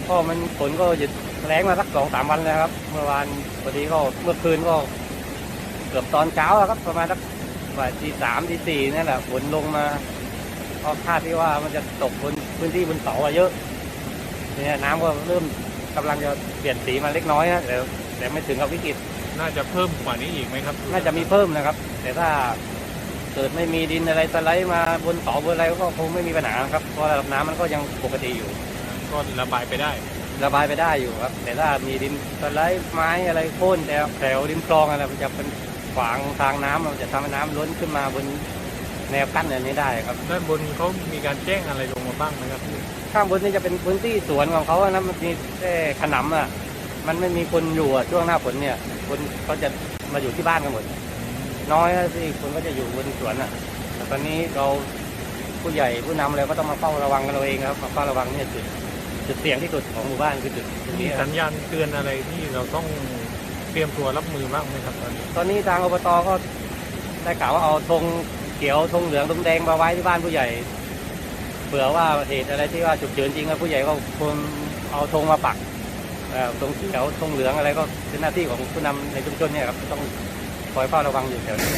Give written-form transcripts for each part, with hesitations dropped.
ก็มันฝนก็หยุดแรงมาสัก2-3 วันแล้วครับเมื่อวานพอดีก็เมื่อคืนก็เกือบตอนเช้าครับประมาณสักบ่ายตี 3 ตี 4นั่นแหละฝนลงมาก็คาดที่ว่ามันจะตกบนพื้นที่บนเขาเยอะเนี่ยน้ำก็เริ่มกำลังจะเปลี่ยนสีมาเล็กน้อยนะแต่ไม่ถึงกับวิกฤตน่าจะเพิ่มกว่านี้อีกไหมครับน่าจะมีเพิ่มนะครับแต่ถ้าเกิดไม่มีดินอะไรสไลด์มาบนเขาบนอะไรก็คงไม่มีปัญหาครับเพราะระดับน้ำมันก็ยังปกติอยู่ก็ระบายไปได้อยู่ครับแต่ถ้ามีดินสไลด์ไม้อะไรโค่นแถวริมคลองอะไรมันจะเป็นขวางทางน้ำมันจะทำให้น้ำล้นขึ้นมาบนแนวกั้นอันนี้ได้ครับด้านบนเขามีการแจ้งอะไรลงมาบ้างไหมครับข้างบนนี่จะเป็นพื้นที่สวนของเขานะมันมีแค่ขนำมันไม่มีคนอยู่ช่วงหน้าฝนเนี่ยคนเขาจะมาอยู่ที่บ้านกันหมดน้อยที่คนก็จะอยู่บนสวนแต่ตอนนี้เราผู้ใหญ่ผู้นำอะไรก็ต้องมาเฝ้าระวังกันเราเองครับมาเฝ้าระวังเนี่ยจุดเสี่ยงที่สุดของหมู่บ้านคือจุดมีนี้สัญญาณเตือนอะไรที่เราต้องเตรียมตัวรับมือบ้างไหมครับตอนนี้ทางอบตก็ได้กล่าวว่าเอาธงเขียวธงเหลืองธงแดงมาไว้ที่บ้านผู้ใหญ่เผื่อว่าเหตุอะไรที่ว่าฉุกเฉินจริงผู้ใหญ่ก็ควรเอาธงมาปักธงเขียวธงเหลืองอะไรก็เป็นหน้าที่ของผู้นำในชุมชนเนี่ยครับต้องคอยเฝ้าระวังอยู่แถวนี้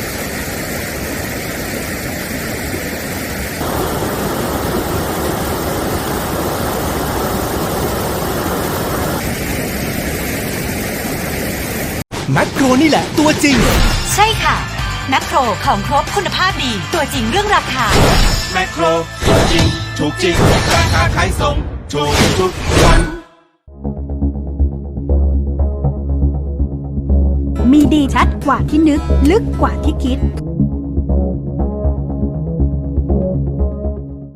แมคโครนี่แหละตัวจริงใช่ค่ะแมคโครของครบคุณภาพดีตัวจริงเรื่องราคาแมคโครจริงถูกจริงราคาขายส่งถูกทุกวันมีดีชัดกว่าที่นึกลึกกว่าที่คิด